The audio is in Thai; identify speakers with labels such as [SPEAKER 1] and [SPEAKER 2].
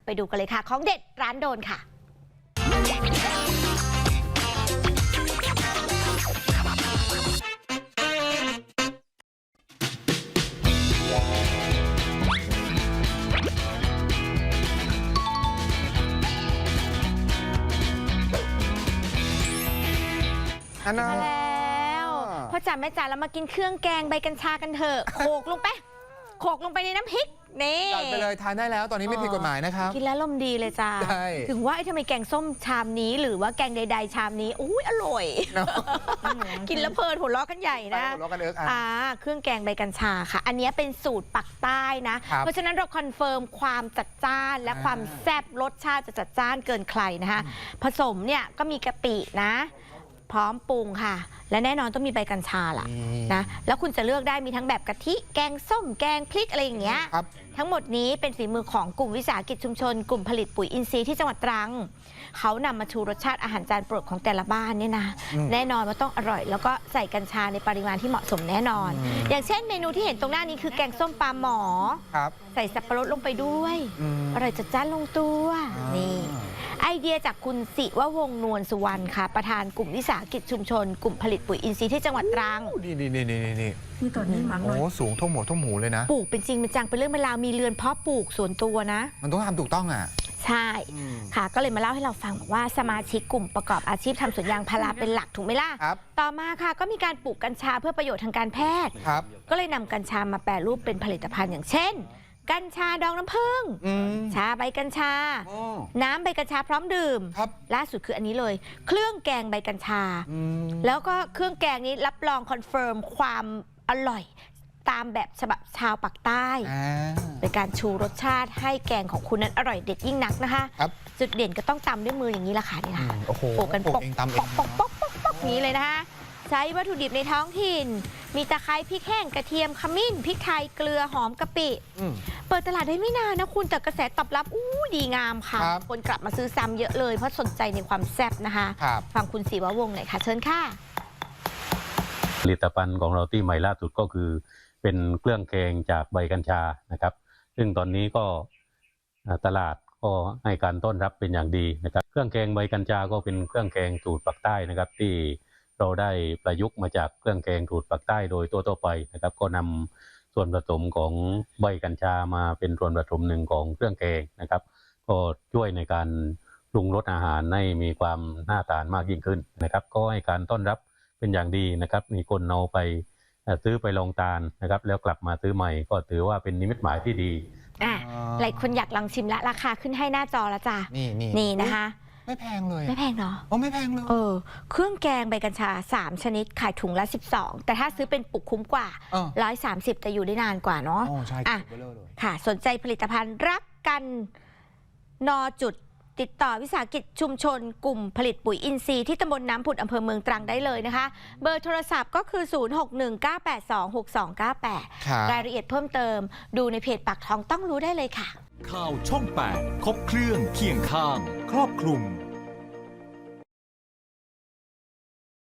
[SPEAKER 1] ไปดูกันเลยค่ะของเด็ดร้านโดนค่ะมาแล้วพ่อจ๋าแม่จ๋าเรามากินเครื่องแกงใบกัญชากันเถอะโขกลงไปในน้ำพริกนี่
[SPEAKER 2] จัดไปเลยทานได้แล้วตอนนี้ไม่ผิดกฎหมายนะครับ
[SPEAKER 1] กินแล้วลมดีเลยจ้าถึงว่าทำไมแกงส้มชามนี้หรือว่าแกงใดๆชามนี้อุ้ยอร่อยกินแล้วเพลินหัวเราะกันใหญ่นะ
[SPEAKER 2] หัวเราะกัน
[SPEAKER 1] เครื่องแกงใบกัญชาค่ะอันนี้เป็นสูตรปักใต้นะเพราะฉะนั้นเราคอนเฟิร์มความจัดจ้านและความแซ่บรสชาติจะจัดจ้านเกินใครนะคะผสมเนี่ยก็มีกะปินะพร้อมปรุงค่ะและแน่นอนต้องมีใบกัญชาล่ะนะแล้วคุณจะเลือกได้มีทั้งแบบกะทิแกงส้มแกงพริกอะไรอย่างเงี้ยทั้งหมดนี้เป็นฝีมือของกลุ่มวิสาหกิจชุมชนกลุ่มผลิตปุ๋ยอินทรีย์ที่จังหวัดตรังเขานำมาชูรสชาติอาหารจานโปรดของแต่ละบ้านเนี่ยนะแน่นอนว่าต้องอร่อยแล้วก็ใส่กัญชาในปริมาณที่เหมาะสมแน่นอนอย่างเช่นเมนูที่เห็นตรงหน้านี้คือแกงส้มปลาหมอใส่สับปะรดลงไปด้วยอร่อยจัดจ้านลงตัวนี่ไอเดียจากคุณศิววงศ์นวลสุวรรณค่ะประธานกลุ่มวิสาหกิจชุมชนกลุ่มผลิตปุ๋ยอินทรีย์ที่จังหวัดตรัง
[SPEAKER 2] นี่ตอนนี้มันโอ้สูงท่วมหัวท่วมหูเลยนะ
[SPEAKER 1] ปลูกเป็นจริงเป็นจังเป็นเรื่องเป็นราวมีเรือนเพาะปลูกส่วนตัวนะ
[SPEAKER 2] มันต้องทำถูกต้องอ่ะ
[SPEAKER 1] ใช่ค่ะก็เลยมาเล่าให้เราฟังว่าสมาชิกกลุ่มประกอบอาชีพทำสวนยางพาราเป็นหลักถูกไหมล่ะต่อมาค่ะก็มีการปลูกกัญชาเพื่อประโยชน์ทางการแพทย์ก็เลยนำกัญชามาแปรรูปเป็นผลิตภัณฑ์อย่างเช่นกัญชาดองน้ำผึ้งชาใบกัญชาน้ำใบกัญชาพร้อมดื่มล่าสุดคืออันนี้เลยเครื่องแกงใบกัญชาแล้วก็เครื่องแกงนี้รับรองคอนเฟิร์มความอร่อยตามแบบฉบับชาวปากใต้เป็นการชูรสชาติให้แกงของคุณนั้นอร่อยเด็ดยิ่งนักนะคะจุดเด่นก็ต้องตำด้วยมืออย่างนี้ละค่ะนี่ค่ะโปะกันปกนี้เลยนะคะใช้วัตถุดิบในท้องถิ่นมีตะไคร้พริกแห้งกระเทียมขมิ้นพริกไทยเกลือหอมกะปิเปิดตลาดได้ไม่นานนะคุณแต่กระแสตอบรับดีงามค่ะคนกลับมาซื้อซ้ำเยอะเลยเพราะสนใจในความแซ่บนะคะฟังคุณศิววงศ์หน่อยค่ะเชิญค่ะ
[SPEAKER 3] ผลิตภัณฑ์ของเราที่ใหม่ล่าสุดก็คือเป็นเครื่องแกงจากใบกัญชานะครับซึ่งตอนนี้ก็ตลาดก็ให้การต้อนรับเป็นอย่างดีนะครับเครื่องแกงใบกัญชาก็เป็นเครื่องแกงสูตรปักใต้นะครับที่เราได้ประยุกต์มาจากเครื่องแกงสูตรปักใต้โดยทั่วไปนะครับก็นำส่วนผสมของใบกัญชามาเป็นส่วนผสมหนึ่งของเครื่องแกงนะครับก็ช่วยในการปรุงรสอาหารให้มีความน่าทานมากยิ่งขึ้นนะครับก็ให้การต้อนรับเป็นอย่างดีนะครับมีคนเอาไปซื้อไปลองทานนะครับแล้วกลับมาซื้อใหม่ก็ถือว่าเป็นนิมิตหมายที่ดี
[SPEAKER 1] หลายคนอยากลองชิมละราคาขึ้นให้หน้าจอแล้วจ้ะนี่นะคะ
[SPEAKER 2] ไม่แพงเลย
[SPEAKER 1] ไม่แพงเนาะ
[SPEAKER 2] ไม่แพงเลย
[SPEAKER 1] เครื่องแกงใบกัญชา3ชนิดขายถุงละ12แต่ถ้าซื้อเป็นปุกคุ้มกว่า130แต่อยู่ได้นานกว่าเนาะค่ะสนใจผลิตภัณฑ์รักกันนอจุดติดต่อวิสาหกิจชุมชนกลุ่มผลิตปุ๋ยอินทรีย์ที่ตำบลน้ำผุดอำเภอเมืองตรังได้เลยนะคะเบอร์โทรศัพท์ก็คือ0619826298รายละเอียดเพิ่มเติมดูในเพจปากท้องต้องรู้ได้เลยค่ะ
[SPEAKER 4] ข่าวช่อง 8 ครบเครื่องเคียงข้างครอบคลุม